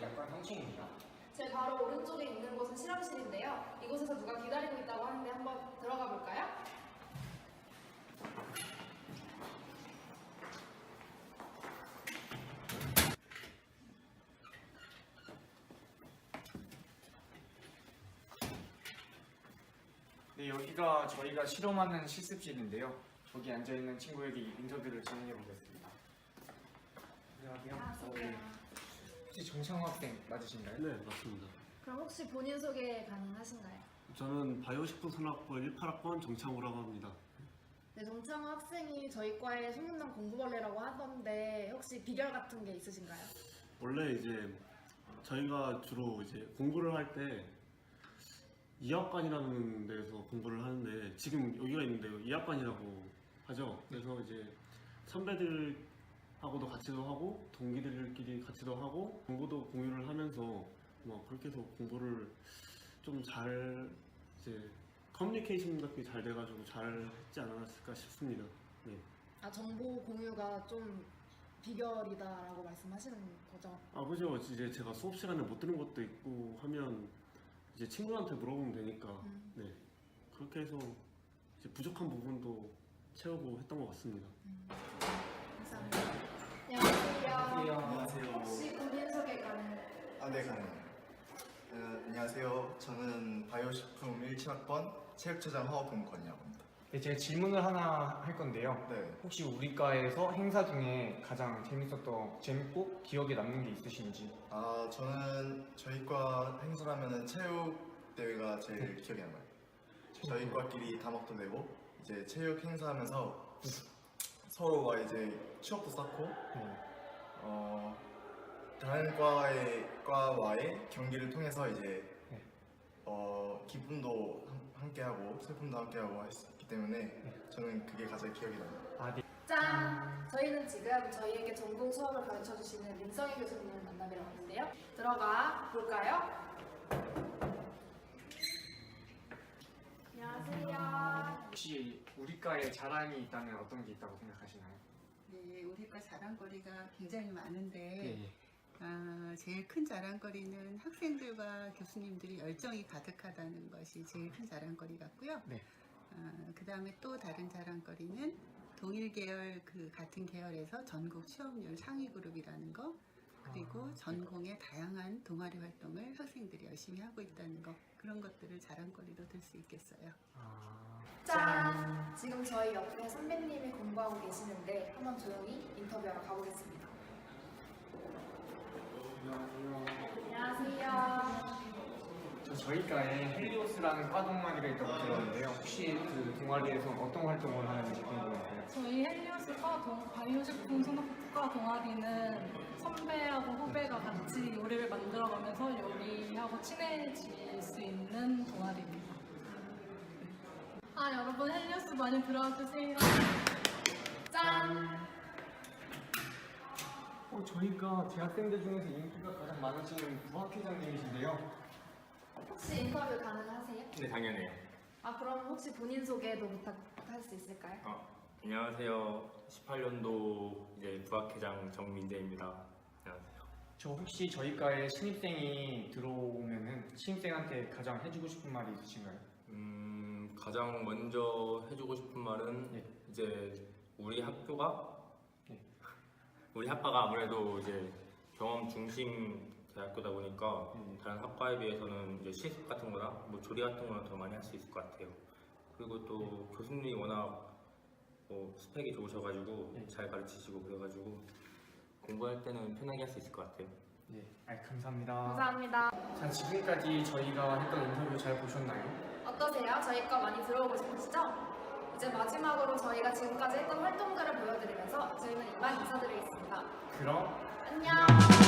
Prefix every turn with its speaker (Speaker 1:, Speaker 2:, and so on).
Speaker 1: 자격관 형층입니다.
Speaker 2: 제 바로 오른쪽에 있는 곳은 실험실인데요. 이곳에서 누가 기다리고 있다고 하는데 한번 들어가 볼까요?
Speaker 1: 네, 여기가 저희가 실험하는 실습실인데요. 저기 앉아있는 친구에게 인터뷰를 진행해 보겠습니다. 안녕하세요. 네. 혹시 정창호 학생 맞으신가요?
Speaker 3: 네, 맞습니다.
Speaker 2: 그럼 혹시 본인 소개 가능하신가요?
Speaker 3: 저는 바이오식품산업부 18학번 정창우라고 합니다.
Speaker 2: 네, 정창호 학생이 저희 과의 소문난 공부벌레라고 하던데 혹시 비결 같은 게 있으신가요?
Speaker 3: 원래 이제 저희가 주로 이제 공부를 할 때 이학관이라는 데서 공부를 하는데 지금 여기가 있는데요. 이학관이라고 하죠. 그래서 이제 선배들하고도 같이도 하고 동기들끼리 같이도 하고 정보도 공유를 하면서 뭐 그렇게 해서 공부를 좀 잘 이제 커뮤니케이션 같은 게 잘 돼가지고 잘 했지 않았을까 싶습니다. 네.
Speaker 2: 아, 정보 공유가 좀 비결이다라고 말씀하시는 거죠?
Speaker 3: 아 그죠. 이제 제가 수업 시간에 못 들은 것도 있고 하면 이제 친구한테 물어보면 되니까 네 그렇게 해서 이제 부족한 부분도 채우고 했던 것 같습니다.
Speaker 2: 감사합니다. 안녕하세요.
Speaker 1: 안녕하세요.
Speaker 2: 혹시 본인 소개 가능해요?
Speaker 4: 네, 가능해요. 안녕하세요. 저는 바이오식품 17학번 체육처장 화학공무관이라고 합니다.
Speaker 1: 네, 제가 질문을 하나 할 건데요.
Speaker 4: 네.
Speaker 1: 혹시 우리 과에서 행사 중에 가장 재밌고 기억에 남는 게 있으신지?
Speaker 4: 저는 저희 과 행사라면은 체육 대회가 제일 기억에 남아요. 저희 과끼리 다목도 되고 이제 체육 행사하면서 서로가 이제 추억도 쌓고 다른 과와의 경기를 통해서 이제
Speaker 1: 네.
Speaker 4: 기쁨도 함께하고 슬픔도 함께하고 했기 때문에 저는 그게 가장 기억에 남아요.
Speaker 1: 아, 네.
Speaker 2: 짠! 저희는 지금 저희에게 전공 수업을 가르쳐주시는 민성희 교수님을 만나뵈러 왔는데요. 들어가 볼까요? 안녕하세요.
Speaker 1: 혹시 우리 과에 자랑이 있다면 어떤 게 있다고 생각하시나요?
Speaker 5: 네, 우리과 자랑거리가 굉장히 많은데
Speaker 1: 네.
Speaker 5: 제일 큰 자랑거리는 학생들과 교수님들이 열정이 가득하다는 것이 제일 큰 자랑거리 같고요.
Speaker 1: 네.
Speaker 5: 그 다음에 또 다른 자랑거리는 동일 계열 같은 계열에서 전국 취업률 상위 그룹이라는 거, 그리고 전공의 다양한 동아리 활동을 학생들이 열심히 하고 있다는 거, 그런 것들을 자랑거리로 들 수 있겠어요.
Speaker 2: 짠! 지금 저희 옆에 선배님이 공부하고 계시는데 한번 조용히 인터뷰하러 가보겠습니다. 안녕하세요.
Speaker 1: 저희 과에 헬리오스라는 과 동아리가 있다고 들었는데요. 혹시 그 동아리에서 어떤 활동을 하는지 궁금해요.
Speaker 6: 저희 헬리오스과 바이오식품 산업과 동아리는 선배하고 후배가 같이 요리를 만들어가면서 요리하고 친해질 수 있는 동아리입니다. 여러분 헬리오스 많이 들어와 주세요.
Speaker 2: 짠!
Speaker 1: 저희가 재학생들 중에서 인기가 가장 많으신 부학회장님이신데요.
Speaker 2: 혹시 인터뷰 가능하세요?
Speaker 7: 네, 당연해요.
Speaker 2: 그럼 혹시 본인 소개도 부탁할 수 있을까요?
Speaker 7: 안녕하세요. 18년도 이제 부학회장 정민재입니다. 안녕하세요.
Speaker 1: 저 혹시 저희 과에 신입생이 들어오면은 신입생한테 가장 해주고 싶은 말이 있으신가요?
Speaker 7: 가장 먼저 해주고 싶은 말은
Speaker 1: 네.
Speaker 7: 이제 우리 학교가
Speaker 1: 네.
Speaker 7: 우리 학과가 아무래도 이제 경험 중심 대학교다 보니까 다른 학과에 비해서는 이제 실습 같은 거나 뭐 조리 같은 거는 더 많이 할 수 있을 것 같아요. 그리고 또 교수님이 워낙 스펙이 좋으셔가지고 잘 가르치시고 그래가지고 공부할 때는 편하게 할 수 있을 것 같아요.
Speaker 1: 네, 감사합니다.
Speaker 2: 감사합니다.
Speaker 1: 자, 지금까지 저희가 했던 인터뷰 잘 보셨나요?
Speaker 2: 어떠세요? 저희 과 많이 들어오고 싶으시죠? 이제 마지막으로 저희가 지금까지 했던 활동들을 보여드리면서 저희는 이만 인사드리겠습니다.
Speaker 1: 그럼
Speaker 2: 안녕!